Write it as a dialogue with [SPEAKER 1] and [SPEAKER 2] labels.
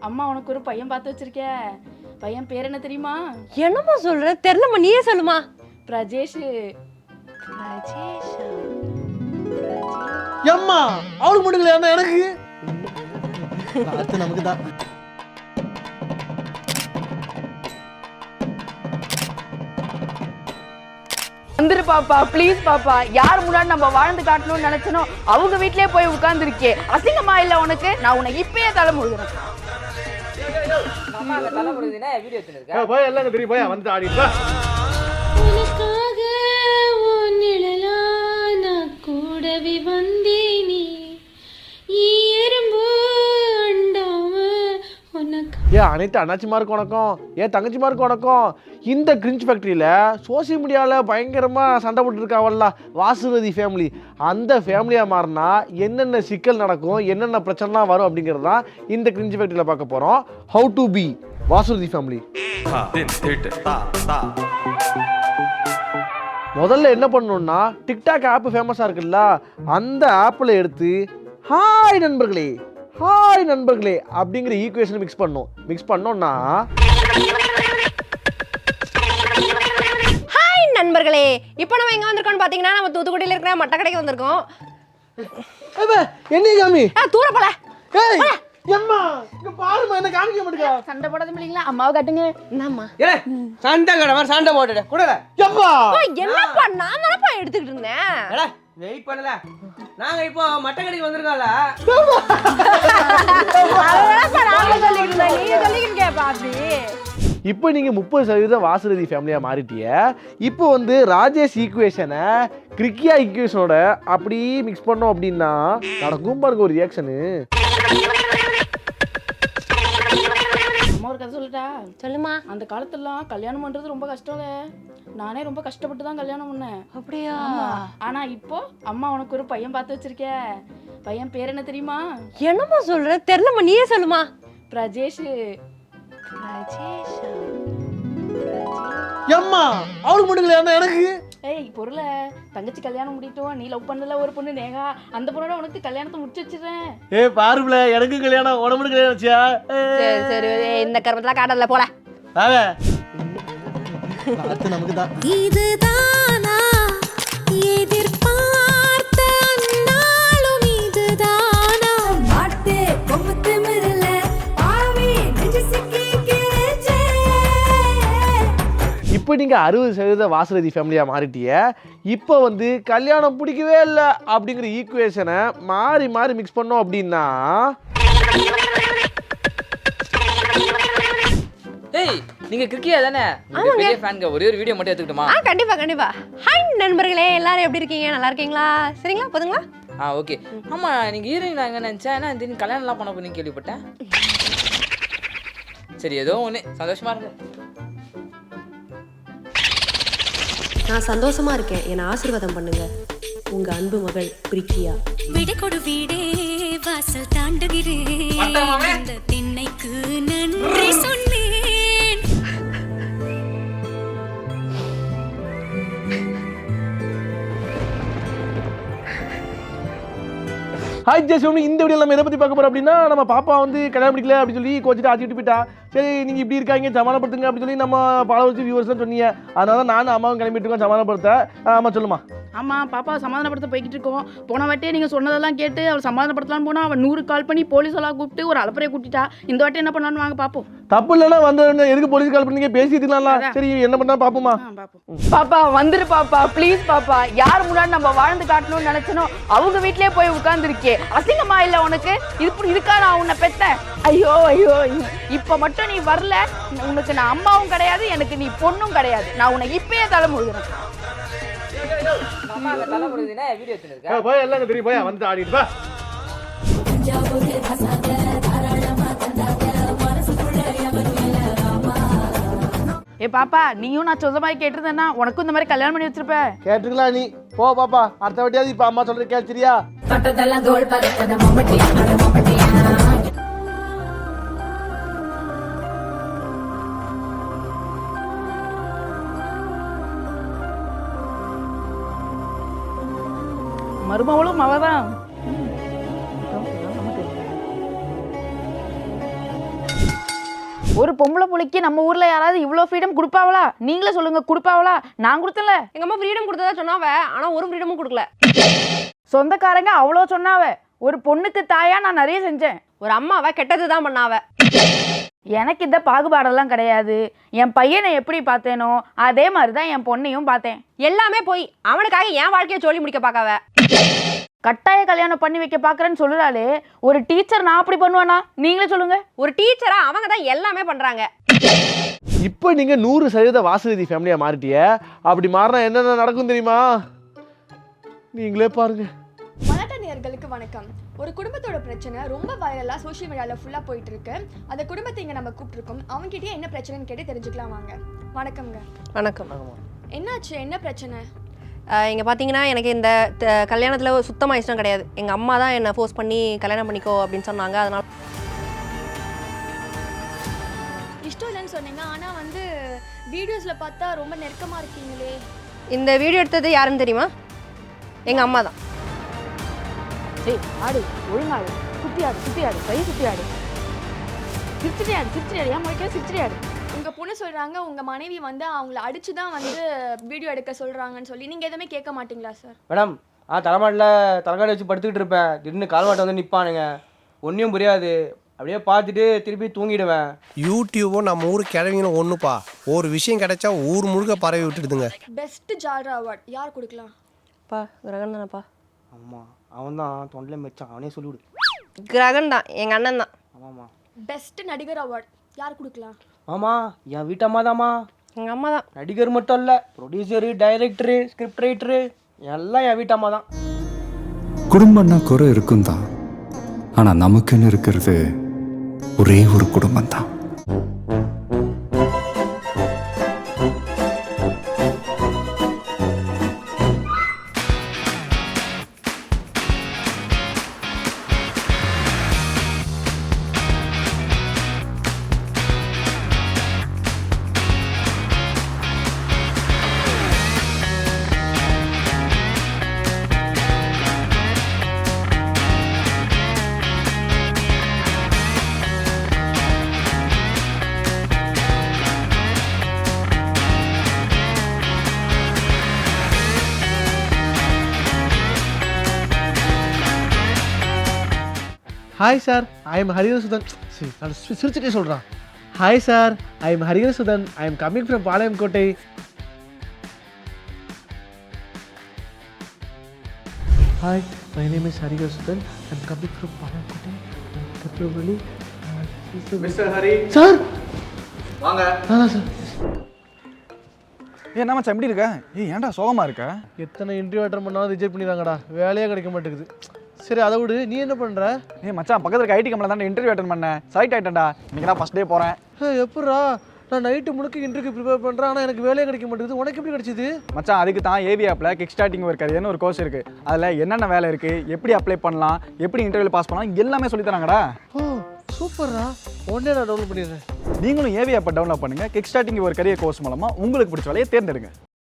[SPEAKER 1] அம்மா உனக்கு ஒரு பையன் பார்த்து வச்சிருக்க. பையன் பேர் என்ன தெரியுமா?
[SPEAKER 2] என்னம்மா சொல்ற? தெரியலம்மா, நீயே சொல்லுமா.
[SPEAKER 1] பிரஜேஷ்.
[SPEAKER 2] பிரஜேஷா?
[SPEAKER 3] எம்மா அவளுக்கு மட்டும் இல்லையா எனக்கு அது நமக்கு தான்.
[SPEAKER 1] வந்துரு பாப்பா, ப்ளீஸ் பாப்பா. யார் முன்னாடி நம்ம வாழ்ந்து காட்டணும்னு நினைச்சனோ அவங்க வீட்லயே போய் உட்கார்ந்துருக்கே. அசிங்கமா இல்ல உனக்கு? நான் உன்னை இப்பயே தலை முழுகிறேன்.
[SPEAKER 4] அம்மா தலை முழுகுதுன்னா வீடியோ எடுத்துருக்க.
[SPEAKER 3] போய் எல்லாம் தெரியும், போய் வந்து ஆடிப்பா.
[SPEAKER 5] உனக்காக உன் நிழலா நான் கூடவே வந்தேனே, எறும்பு அண்டாம உனக்கு.
[SPEAKER 3] அனைத்து அண்ணாச்சிமாருக்கு வணக்கம், தங்கச்சிமாருக்கு வணக்கம். இந்த கிரிஞ்ச் ஃபேக்ட்ரியில் சோசியல் மீடியாவில் பயங்கரமாக சண்டை போட்டுருக்காவல்ல வாசுவதி ஃபேமிலி, அந்த ஃபேமிலியாக மாறினா என்னென்ன சிக்கல் நடக்கும், என்னென்ன பிரச்சனைலாம் வரும் அப்படிங்கிறது தான் இந்த கிரிஞ்ச் ஃபேக்ட்ரியில் பார்க்க போகிறோம். How to be Vasuvathi family. முதல்ல என்ன பண்ணணும்னா, டிக்டாக் ஆப் ஃபேமஸாக இருக்குல்ல, அந்த ஆப்பில் எடுத்து ஹாய் நண்பர்களே, ஹாய் நண்பர்களே அப்படிங்கிற ஈக்குவேஷன் மிக்ஸ் பண்ணோம்னா,
[SPEAKER 2] ஹாய் நண்பர்களே, இப்போ நம்ம எங்க வந்திருக்கோம்னு பாத்தீங்கன்னா நம்ம தூத்துக்குடியில இருக்கிற மட்ட கடைக்கு வந்திருக்கோம்.
[SPEAKER 3] என்ன காமி
[SPEAKER 2] தூர போல.
[SPEAKER 3] ஏய் எம்மா இங்க பாருமா, என்ன காமிக்க மாட்டேங்க.
[SPEAKER 1] சண்டை போடாத இல்லீங்களா? அம்மாவை காட்டுங்க.
[SPEAKER 2] என்னம்மா
[SPEAKER 4] ஏய் சண்டை கடை மாதிரி சண்டை போட்டுட கூடல.
[SPEAKER 3] எம்மா
[SPEAKER 2] என்னப்பா, நான் தானப்பா எடுத்துக்கிட்டு இருந்தேன்.
[SPEAKER 4] எடா வெயிட் பண்ணல, நாங்க இப்போ மட்ட கடைக்கு வந்திருக்கோம்ல.
[SPEAKER 3] இப்போ நீங்கள் 30% வாசுரதி ஃபேமிலியாக மாறிட்டிய. இப்போ வந்து ராஜேஷ் ஈக்குவேஷனை கிரிக்கியா ஈக்குவேஷனோட அப்படி மிக்ஸ் பண்ணோம் அப்படின்னா நடக்கும் பாருங்க ஒரு ரியாக்ஷனு.
[SPEAKER 1] அம்மா ஒரு கதை சொல்லட்டா?
[SPEAKER 2] சொல்லுமா.
[SPEAKER 1] அந்த காலத்துலலாம் கல்யாணம் பண்றது ரொம்ப கஷ்டம்ல. நானே ரொம்ப கஷ்டப்பட்டு தான் கல்யாணம் பண்ணேன்.
[SPEAKER 2] அப்படியா?
[SPEAKER 1] ஆனா இப்போ அம்மா உனக்கு ஒரு பையன் பார்த்து வச்சிருக்க. பையன் பேர் என்ன தெரியுமா?
[SPEAKER 2] என்னம்மா சொல்ற? தெரியலம்மா, நீயே சொல்லுமா.
[SPEAKER 1] பிரஜேஷ்.
[SPEAKER 2] பிரஜேஷா?
[SPEAKER 3] எம்மா அவளுக்கு மட்டும் இல்லையா எனக்கு?
[SPEAKER 1] ஏய் பொருள, தங்கச்சி கல்யாணம் முடிட்டோம். நீ லவ் பண்ணல ஒரு பொண்ணு நேகா, அந்த பொண்ணோட உனக்கு கல்யாணத்தை முடிச்சு வச்சிடுறேன்.
[SPEAKER 3] பாருப்ல, எனக்கு கல்யாணம், உடம்புக்கு கல்யாணம் வச்சியா?
[SPEAKER 2] சரி சரி, இந்த கர்மத்துல காட்டல போல.
[SPEAKER 3] அது நமக்கு தான்.
[SPEAKER 5] இதுதானா எதிர்பார்த்த நாளும், இதுதானா மாட்டே கொம்பத்து மிரல ஆவி நெஞ்சு சிக்கி கிரச்சே.
[SPEAKER 3] இப்போ நீங்கள் 60% வாசுரதி ஃபேமிலியாக மாறிட்டிய. இப்போ வந்து கல்யாணம் பிடிக்கவே இல்லை அப்படிங்கிற ஈக்குவேஷனை மாறி மாறி மிக்ஸ் பண்ணோம் அப்படின்னா,
[SPEAKER 4] ஏய் நீங்க கிரிக்கியா தானே? பெரிய ஃபேன்ங்க. ஒரே ஒரு வீடியோ மட்டும் எடுத்துக்கிட்டுமா?
[SPEAKER 2] கண்டிப்பா கண்டிப்பா. ஹாய் நண்பர்களே, எல்லாரும் எப்படி இருக்கீங்க? நல்லா இருக்கீங்களா? சரிங்களா, போதுங்களா?
[SPEAKER 4] ஓகே. ஆமா, நீங்க ஹீரோயின் நான் எங்க நினைச்சேன், ஏன்னா திடீர்னு கல்யாணம்லாம் பண்ண போறீங்க கேள்விப்பட்டேன். சரி, ஏதோ ஒன்று சந்தோஷமா இருக்கு.
[SPEAKER 6] நான் சந்தோஷமா இருக்கேன், என்னை ஆசீர்வாதம் பண்ணுங்க. உங்க அன்பு மகள் பிரிக்கியா.
[SPEAKER 5] விடை கொடு வீடே வாசல் தாண்டுகிறேன், அந்த திண்ணைக்கு நன்றி சொன்னேன்.
[SPEAKER 3] ஹாய் ஜெஸ்ட், இந்த வீடியோ நம்ம எதை பற்றி பார்க்க போகிறோம் அப்படின்னா, நம்ம பாப்பா வந்து கல்யாணம் பிடிக்கல அப்படின்னு சொல்லி கோச்சிட்டு ஆச்சிட்டு போயிட்டா. சரி நீங்கள் இப்படி இருக்காங்க, சமாளப்படுத்துங்க அப்படின்னு சொல்லி நம்ம ஃபாலோவர்ஸ் வியூவர்ஸ்லாம் சொன்னீங்க. அதனால தான் நானும் அம்மாவும் கிளம்பிட்டு இருக்கோம் சமாளப்படுத்த. ஆமாம் சொல்லுமா.
[SPEAKER 1] ஆமாம் பாப்பா சமாதானப்படுத்த போய்கிட்டு இருக்கோம். போன வாட்டியே நீங்கள் சொன்னதெல்லாம் கேட்டு அவள் சமாதானப்படுத்தலான்னு போனால் அவள் 100 கால் பண்ணி போலீஸ் எல்லாம் கூப்பிட்டு ஒரு அலப்பறையை கூட்டிட்டா. இந்த வாட்டி என்ன பண்ணலான்னு வாங்க பார்ப்போம்.
[SPEAKER 3] தப்பு இல்லைன்னா வந்து எதுக்கு போலீஸ் கால் பண்ணீங்க, பேசிட்டுலாம்ல. சரி என்ன பண்ணா பார்ப்போமா.
[SPEAKER 1] பாப்பா வந்துரு பாப்பா, ப்ளீஸ் பாப்பா. யார் முன்னாடி நம்ம வாழ்ந்து காட்டணும்னு நினைச்சனோ அவங்க வீட்லயே போய் உட்கார்ந்துருக்கே. அசிங்கமா இல்ல உனக்கு? இதுக்கா நான் உன்னை பெத்தேன்? ஐயோ ஐயோ, இப்ப மட்டும் நீ வரல, உனக்கு நான் அம்மாவும் கிடையாது, எனக்கு நீ பொண்ணும் கிடையாது. நான் உன்னை இப்பயே தலை முழுகிறேன்.
[SPEAKER 4] அம்மா தலை முழுகுதுன்னா வீடியோ எடுத்துருக்க.
[SPEAKER 3] போய் எல்லாம் தெரியும், போய் வந்து ஆடிட்டு வா.
[SPEAKER 1] ஏ பாப்பா, நீயும் நான் சொல்ற மாதிரி கேட்டிருந்தேன்னா உனக்கும் இந்த மாதிரி கல்யாணம் பண்ணி வச்சிருப்ப.
[SPEAKER 3] கேட்டுக்கலாம் நீ. போ பாப்பா, அடுத்த வாட்டியாவது இப்ப அம்மா சொல்றது கேட்சிரியா?
[SPEAKER 1] மருமவளும் அவதான். ஒரு பொம்பளை புள்ளைக்கு நம்ம ஊர்ல யாராவது இவ்வளோ ஃப்ரீடம் கொடுப்பாவளா? நீங்களே சொல்லுங்க, கொடுப்பாவளா? நான் கொடுத்தல.
[SPEAKER 2] எங்க அம்மா ஃப்ரீடம் கொடுத்ததா சொன்னாவ, ஆனா ஒரு ஃப்ரீடமும் கொடுக்கல.
[SPEAKER 1] சொந்தக்காரங்க அவ்வளோ சொன்னாவ. ஒரு பொண்ணுக்கு தாயா நான் நிறைய செஞ்சேன்.
[SPEAKER 2] ஒரு அம்மாவை கெட்டது தான் பண்ணாவ.
[SPEAKER 1] எனக்கு இந்த பாகுபாடெல்லாம் கிடையாது. என் பையனை எப்படி பார்த்தேனோ அதே மாதிரி தான் என் பொண்ணையும் பார்த்தேன்.
[SPEAKER 2] எல்லாமே போய் அவனுக்காக என் வாழ்க்கையை சொல்லி முடிக்க பார்க்காவ.
[SPEAKER 1] கட்டாய கல்யாணம் பண்ணி வைக்க பார்க்குறேன்னு சொல்லுறாளே, ஒரு டீச்சர் நான் அப்படி பண்ணுவேனா? நீங்களே சொல்லுங்க.
[SPEAKER 2] ஒரு டீச்சரா அவங்க தான் எல்லாமே பண்றாங்க.
[SPEAKER 3] இப்போ நீங்கள் 100% வாசுரதி ஃபேமிலியாக மாறிட்டிய. அப்படி மாறினா என்னென்ன நடக்கும் தெரியுமா? நீங்களே பாருங்க.
[SPEAKER 7] மலாட்டா நேயர்களுக்கு வணக்கம். ஒரு குடும்பத்தோட பிரச்சனை ரொம்ப வைரலாக சோஷியல் மீடியாவில் ஃபுல்லாக போயிட்டு இருக்கு. அந்த குடும்பத்தை இங்கே நம்ம கூப்பிட்டுருக்கோம். அவங்ககிட்டயே என்ன பிரச்சனைன்னு கேட்டு தெரிஞ்சுக்கலாம் வாங்க. வணக்கம்ங்க.
[SPEAKER 2] வணக்கம்.
[SPEAKER 7] என்னாச்சு, என்ன பிரச்சனை?
[SPEAKER 2] இங்கே பார்த்தீங்கன்னா எனக்கு இந்த கல்யாணத்தில் சுத்தமாக இஷ்டம் கிடையாது. எங்கள் அம்மா தான் என்னை ஃபோர்ஸ் பண்ணி கல்யாணம் பண்ணிக்கோ அப்படின்னு சொன்னாங்க. அதனால்
[SPEAKER 7] இஷ்டம் இல்லைன்னு சொன்னீங்க, ஆனால் வந்து வீடியோஸில் பார்த்தா ரொம்ப நெருக்கமாக இருக்கீங்களே.
[SPEAKER 2] இந்த வீடியோ எடுத்தது யாருன்னு தெரியுமா? எங்கள் அம்மா தான்.
[SPEAKER 1] சரி ஆடு, ஒழுங்காடு, சுத்தியாடு, சுத்தியாடு, கை சுத்தியாடு, சிரிச்சிரியாடு, சிரிச்சிரியாடு, ஏன் முறைக்க சிரிச்சிரியாடு.
[SPEAKER 7] உங்கள் பொண்ணு சொல்கிறாங்க உங்கள் மனைவி வந்து அவங்கள அடித்து தான் வந்து வீடியோ எடுக்க சொல்கிறாங்கன்னு சொல்லி. நீங்கள் எதுவுமே கேட்க மாட்டீங்களா சார்?
[SPEAKER 8] மேடம் தலைமாட்டில் தலைக்காடி வச்சு படுத்துக்கிட்டு இருப்பேன். திடீர்னு கால்மாட்டை வந்து நிற்பானுங்க. ஒன்றும் புரியாது. அப்படியே பார்த்துட்டு திருப்பி தூங்கிடுவேன்.
[SPEAKER 9] யூடியூபும் நம்ம ஊர் கிழவிங்களும் ஒன்றுப்பா. ஒரு விஷயம் கிடைச்சா ஊர் முழுக்க பரவி விட்டுடுதுங்க.
[SPEAKER 7] பெஸ்ட் ஜால்ரா அவார்ட் யார் கொடுக்கலாம்?
[SPEAKER 2] பா கிரகன் தானேப்பா.
[SPEAKER 8] ஆமாம், அவன் தான் தொண்டில் மெச்சான். அவனே சொல்லிவிடு.
[SPEAKER 2] கிரகன் தான், எங்கள் அண்ணன் தான்.
[SPEAKER 8] ஆமாம்மா.
[SPEAKER 7] பெஸ்ட் நடிகர் அவார்ட் யார் கொடுக்கலாம்?
[SPEAKER 8] ஆமாம், என் வீட்டம்மா தாம்மா.
[SPEAKER 2] எங்கள் அம்மா தான்.
[SPEAKER 8] நடிகர் மட்டும் இல்லை, ப்ரொடியூசரு, டைரக்டரு, ஸ்கிரிப்ட் ரைட்டரு எல்லாம் என் வீட்டம்மா தான்.
[SPEAKER 10] குடும்பம்னா குறை இருக்கும் தான், ஆனால் நமக்குன்னு இருக்கிறது ஒரே ஒரு குடும்பம் தான்.
[SPEAKER 3] Hi sir, I am Hariharasudhan. சிரிச்சுட்டே சொல்கிறான். Hi sir, I am Hariharasudhan. I am coming from Palayamkottai. Hi, my name is Hariharasudhan. I am coming from Palayamkottai. கற்பூரவள்ளி.
[SPEAKER 8] மிஸ்டர் ஹரி
[SPEAKER 3] சார்
[SPEAKER 8] வாங்க.
[SPEAKER 3] சார்
[SPEAKER 11] என்ன மச்சான் எப்படி இருக்க? ஏன்டா சோகமாக இருக்க?
[SPEAKER 3] எத்தனை இன்டர்வியூ அட்டன் பண்ணாலும் ரிஜெக்ட் பண்ணிடுறாங்கடா. வேலையே கிடைக்க மாட்டேங்குது. சரி அதை விடு, நீ என்ன பண்ணுற?
[SPEAKER 11] மச்சான் பக்கத்தில் இருக்க ஐடி கம்பெனியில் தான் இன்டர்வியூ அட்டன் பண்ணேன். செலக்ட் ஆகிட்டேன்டா. இன்றைக்கி தான் ஃபஸ்ட் டே போகிறேன்.
[SPEAKER 3] எப்பட்றா? நான் நைட்டு முழுக்க இன்டர்வியூ ப்ரிப்பேர் பண்ணுறேன், ஆனால் எனக்கு வேலையே கிடைக்க மாட்டேங்குது. உனக்கு எப்படி கிடைச்சிது?
[SPEAKER 11] மச்சான் அதுக்கு தான் ஏவி ஆப்பில் கிக் ஸ்டார்டிங் ஒரு கரியர்னு ஒரு கோர்ஸ் இருக்குது. அதில் என்னென்ன வேலை இருக்குது, எப்படி அப்ளை பண்ணலாம், எப்படி இன்டர்வியூ பாஸ் பண்ணலாம் எல்லாமே சொல்லி தராங்கடா.
[SPEAKER 3] ஓ சூப்பர்ரா, உடனே நான் டவுன்லோட் பண்ணிடுறேன்.
[SPEAKER 11] நீங்களும் ஏவி ஆப்பை டவுன்லோட் பண்ணுங்கள். கிக் ஸ்டார்டிங் ஒரு கரியர் கோர்ஸ் மூலமாக உங்களுக்கு பிடிச்ச வேலையை தேர்ந்தெடுங்க.